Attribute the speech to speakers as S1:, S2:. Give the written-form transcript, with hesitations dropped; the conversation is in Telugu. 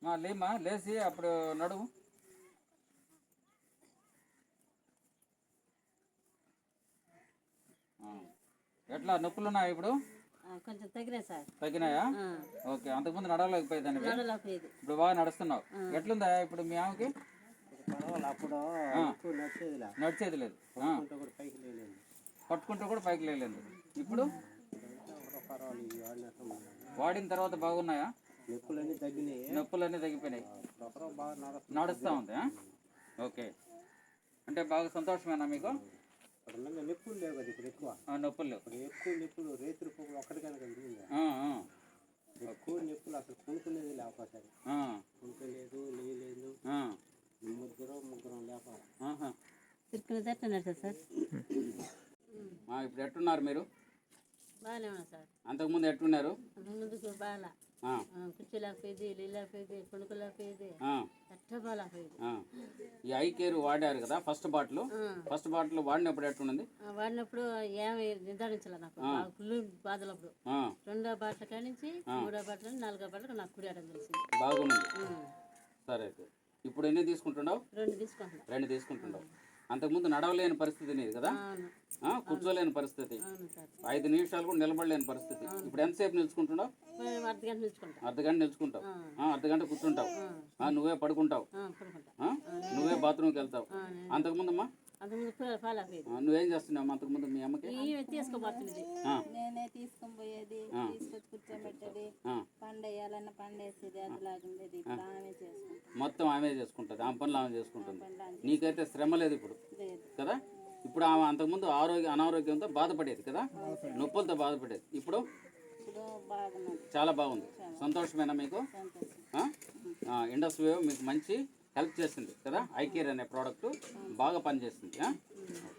S1: లేమా లేచి అప్పుడు నడుము. ఎట్లా నొప్పులు ఉన్నాయా ఇప్పుడు?
S2: కొంచెం తగ్గినాయి సార్.
S1: తగ్గినాయా? ఓకే. అంతకుముందు నడవలేకపోయేదాన్ని, ఇప్పుడు బాగా నడుస్తున్నావు. ఎట్లుందా ఇప్పుడు మీ ఆమెకి?
S3: అప్పుడు
S1: నడిచేది లేదు, పట్టుకుంటూ కూడా పైకి లేలేదు. ఇప్పుడు వాడిన తర్వాత బాగున్నాయా? నొప్పులన్నీ తగ్గిపోయినాయి, నడుస్తూ ఉంది. ఓకే. అంటే బాగా సంతోషమేనా మీకు?
S3: నొప్పులు లేవు కదా ఇప్పుడు, ఎక్కువ
S1: నొప్పులు లేవు,
S3: ఎక్కువ నొప్పులు రేతులు ఒక్కడికైనా ఎక్కువ నొప్పులు అసలు కొనుక్కునేది లేకపోతే కొనుక్కోలేదు, లేయలేదు. ముగ్గురం లేపాలి.
S1: ఇప్పుడు ఎట్టున్నారు మీరు?
S2: బాగానే ఉన్నా సార్.
S1: అంతకుముందు ఎట్టున్నారు?
S2: ముందుకు బాగా కుర్చీలేకపోయేది, లేకపోయేది, కొనుక్కోలేకపోయేది, ఎట్టబాలేకపోయేది.
S1: ఈ ఐ కేర్ వాడారు కదా ఫస్ట్ బాటిల్ వాడినప్పుడు ఎట్టున్నది?
S2: వాడినప్పుడు ఏమి నిర్ధారించాల నాకు, ఫుల్ బాధలప్పుడు. రెండో బాటిల్ కాడి నుంచి మూడో బాటిల్, నాలుగో బాటిల్ నాకు కుడియడం తెలిసింది.
S1: బాగుంది. సరే. ఇప్పుడు ఎన్ని తీసుకుంటున్నావు?
S2: 2
S1: తీసుకుంటున్నావు. అంతకుముందు నడవలేని పరిస్థితి నీది కదా, కూర్చోలేని పరిస్థితి, 5 నిమిషాలు కూడా నిలబడలేని పరిస్థితి. ఇప్పుడు ఎంతసేపు నిలుచుకుంటున్నావు? అర్ధగంట నిలుచుకుంటావు, అర్ధగంట కూర్చుంటావు, నువ్వే పడుకుంటావు, నువ్వే బాత్రూమ్కి వెళ్తావు. అంతకుముందమ్మా నువ్వేం చేస్తున్నావు? అంతకుముందు మీ అమ్మకి
S4: నేనే తీసుకొని పోయేది, తీసుకొచ్చి కూర్చోబెట్టేది, పండేయాలన్న పండేసేది, అదిలాగుండేది.
S1: మొత్తం ఆమె చేసుకుంటుంది, ఆమె పనులు ఆమె చేసుకుంటుంది. నీకైతే శ్రమ లేదు ఇప్పుడు కదా. ఇప్పుడు ఆమె అంతకుముందు అనారోగ్యంతో బాధపడేది కదా, నొప్పులతో బాధపడేది. ఇప్పుడు చాలా బాగుంది. సంతోషమేనా మీకు? ఇండస్ వేవ్ మీకు మంచి హెల్ప్ చేసింది కదా. ఐ కేర్ అనే ప్రోడక్ట్ బాగా పనిచేస్తుంది.